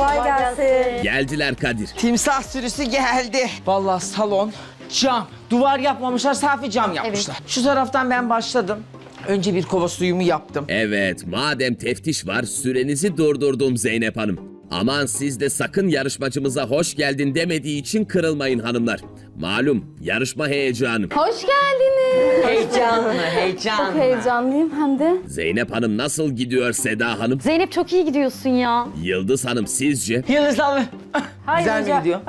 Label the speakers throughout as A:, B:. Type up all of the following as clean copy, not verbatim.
A: Kolay gelsin.
B: Geldiler Kadir.
C: Timsah sürüsü geldi. Vallahi salon cam. Duvar yapmamışlar, safi cam yapmışlar. Şu taraftan ben başladım. Önce bir kova suyumu yaptım.
B: Evet, madem teftiş var sürenizi durdurdum Zeynep Hanım. Aman siz de sakın yarışmacımıza hoş geldin demediği için kırılmayın hanımlar. Malum yarışma heyecanı.
D: Hoş geldiniz.
C: Heyecanlı.
D: Çok heyecanlıyım hem de.
B: Zeynep Hanım nasıl gidiyor Seda Hanım?
D: Zeynep çok iyi gidiyorsun ya.
B: Yıldız Hanım sizce?
C: Yıldız abi. Güzel mi gidiyor?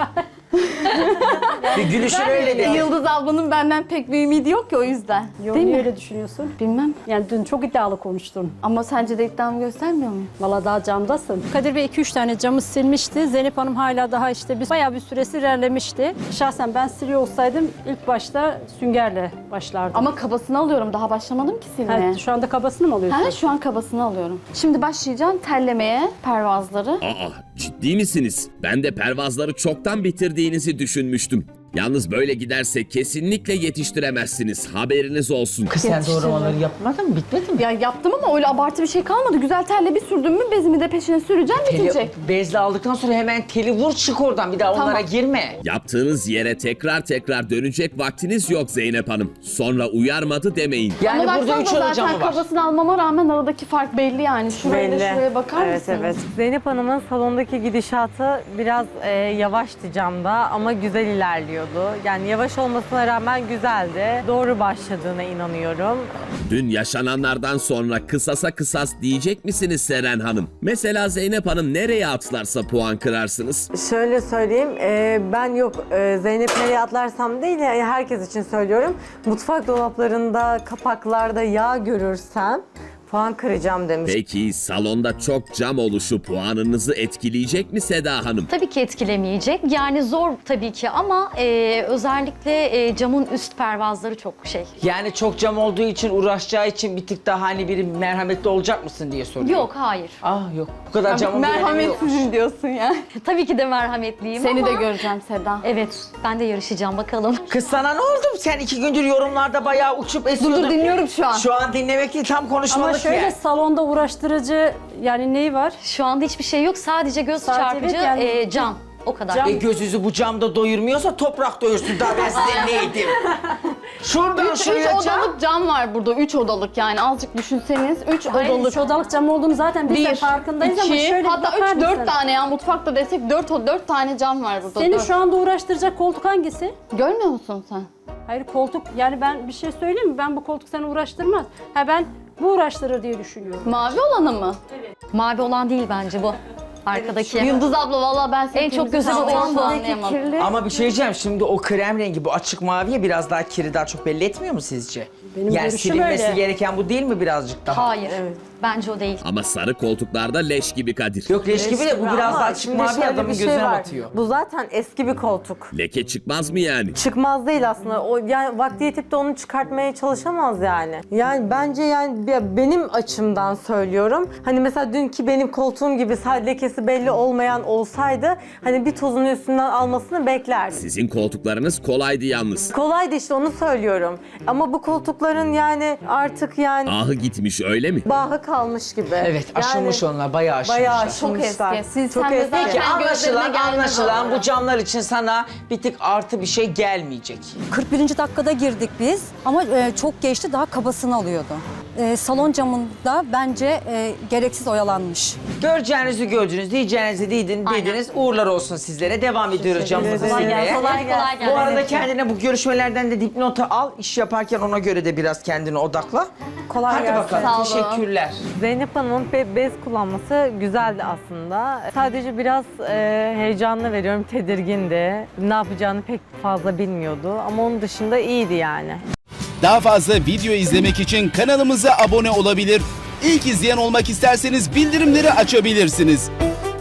C: Bir gülüşün öyle de.
D: Yıldız ablanın benden pek bir ümidi yok ki o yüzden.
A: Yok,
D: Değil
A: niye
D: mi?
A: öyle düşünüyorsun?
D: Bilmem.
A: Yani dün çok iddialı konuştun.
D: Ama sence de iddiamı göstermiyor muyum?
A: Valla daha camdasın. Kadir Bey 2-3 tane camı silmişti. Zeynep Hanım hala daha işte bayağı bir süresi ilerlemişti. Şahsen ben siliyor olsaydım ilk başta süngerle başlardım.
D: Ama kabasını alıyorum. Daha başlamadım ki silmeye.
A: Ha, şu anda kabasını mı alıyorsun?
D: Ha, şu an kabasını alıyorum. Şimdi başlayacağım terlemeye pervazları.
B: Aa, ciddi misiniz? Ben de pervazları çoktan bitirdiğinizi düşünmüştüm. Yalnız böyle giderse kesinlikle yetiştiremezsiniz. Haberiniz olsun.
C: Kız sen doğramaları yapmadın mı? Bitmedi mi?
D: Ya yaptım ama öyle abartı bir şey kalmadı. Güzel terle bir sürdüm mü bezimi de peşine süreceğim, bitecek.
C: Bezle aldıktan sonra hemen teli vur çık oradan. Bir daha
D: Tamam.
C: onlara girme.
B: Yaptığınız yere tekrar dönecek vaktiniz yok Zeynep Hanım. Sonra uyarmadı demeyin.
C: Yani
D: Ama
C: burada 3
D: baksanıza
C: oda camı
D: zaten
C: var.
D: kabasını almama rağmen aradaki fark belli yani. Şuraya da şuraya bakar mısınız?
E: Zeynep Hanım'ın salondaki gidişatı biraz yavaştı camda ama güzel ilerliyordu. Yani yavaş olmasına rağmen güzeldi. Doğru başladığına inanıyorum.
B: Dün yaşananlardan sonra kısasa kısas diyecek misiniz Seren Hanım? Mesela Zeynep Hanım nereye atlarsa puan kırarsınız.
E: Şöyle söyleyeyim, ben Zeynep nereye atlarsam değil, yani herkes için söylüyorum. Mutfak dolaplarında, kapaklarda yağ görürsem puan kıracağım demiş.
B: Peki salonda çok cam oluşu puanınızı etkileyecek mi Seda Hanım?
F: Tabii ki etkilemeyecek. Yani zor tabii ki ama özellikle camın üst pervazları çok şey.
C: Yani çok cam olduğu için uğraşacağı için bir tık daha hani biri merhametli olacak mısın diye soruyor.
F: Yok, hayır.
C: Ah yok. Bu kadar camın bir önemi yokmuş.
D: Merhametsizim diyorsun ya.
F: Tabii ki de merhametliyim
D: Seni
F: ama...
D: de göreceğim Seda.
F: Evet, ben de yarışacağım bakalım.
C: Kız sana ne oldu? Sen 2 gündür yorumlarda bayağı uçup esiyordun.
D: Dur dinliyorum şu an.
C: Şu an dinlemek değil, tam
A: Ama
C: konuşmalık
A: şöyle
C: ya.
A: salonda uğraştırıcı yani neyi var?
F: Şu anda hiçbir şey yok. Sadece göz
A: Sadece
F: çarpıcı
A: evet, yani-
F: cam. O kadar.
A: Cam.
C: Göz yüzü bu camda doyurmuyorsa toprak doyursun. Daha ben size neydim? Şuradan
D: Üç
C: şuraya cam.
D: odalık cam var burada. 3 odalık yani azıcık düşünseniz. 3
A: Hayır,
D: odalık.
A: 3 odalık cam olduğunu zaten biz de
D: 1,
A: farkındayız ama
D: 2,
A: şöyle
D: hatta
A: bakar
D: 3, 4
A: mısın?
D: tane ya mutfakta desek 4 tane cam var burada.
A: Seni
D: Dört.
A: şu anda uğraştıracak koltuk hangisi?
D: Görmüyor musun sen?
A: Hayır koltuk, yani ben bir şey söyleyeyim mi? Ben bu koltuk seni uğraştırmaz. Ben bu uğraştırır diye düşünüyorum.
D: Mavi olanı mı?
F: Mavi olan değil bence bu. Arkadaki.
D: Yıldız abla vallahi ben seni
F: En çok gözüme batan bu.
D: anlayamadım.
C: Ama bir şey diyeceğim, şimdi o krem rengi, bu açık maviye biraz daha kiri daha çok belli etmiyor mu sizce?
A: Benim
C: yani
A: görüşüm
C: silinmesi
A: öyle.
C: gereken bu değil mi birazcık daha?
F: Hayır. Bence o değil.
B: Ama sarı koltuklarda leş gibi Kadir.
C: Yok leş gibi de bu biraz daha açık
E: Şimdi
C: mavi
E: şöyle
C: adamın
E: bir şey
C: gözüne
E: var.
C: batıyor.
E: Bu zaten eski bir koltuk.
B: Leke çıkmaz mı yani?
E: Çıkmaz değil aslında. O yani vakti yetip de onu çıkartmaya çalışamaz yani. Yani bence yani benim açımdan söylüyorum. Hani mesela dünkü benim koltuğum gibi sadece lekesi belli olmayan olsaydı hani bir tozun üstünden almasını beklerdim.
B: Sizin koltuklarınız kolaydı yalnız.
E: Kolaydı işte, onu söylüyorum. Ama bu koltukların yani artık yani
B: Ahı gitmiş öyle mi?
E: bahı kalmış gibi.
C: Evet, aşılmış onlar, bayağı aşılmışlar.
E: Bayağı
D: Çok
E: aşılmışlar.
D: eski. Siz
E: Çok
D: sen de
E: eski.
D: zaten
C: Peki
D: gözlerine gelmez
C: anlaşılan
D: oldu.
C: bu camlar için sana bir tık artı bir şey gelmeyecek.
G: 41. dakikada girdik biz ama çok geçti, daha kabasını alıyordu. Salon camında bence gereksiz oyalanmış.
C: Göreceğinizi gördünüz, diyeceğinizi dediniz. Uğurlar olsun sizlere. Devam ediyoruz camımızı silmeye.
F: Kolay gelsin.
C: Bu arada kendine bu görüşmelerden de dipnotu al. İş yaparken ona göre de biraz kendini odakla.
E: Kolay
C: Hadi
E: gelsin.
C: bakalım.
D: Sağ olun.
C: Teşekkürler.
E: Zeynep Hanım'ın bez kullanması güzeldi aslında. Sadece biraz heyecanlı veriyorum, tedirgindi. Ne yapacağını pek fazla bilmiyordu ama onun dışında iyiydi yani.
H: Daha fazla video izlemek için kanalımıza abone olabilir. İlk izleyen olmak isterseniz bildirimleri açabilirsiniz.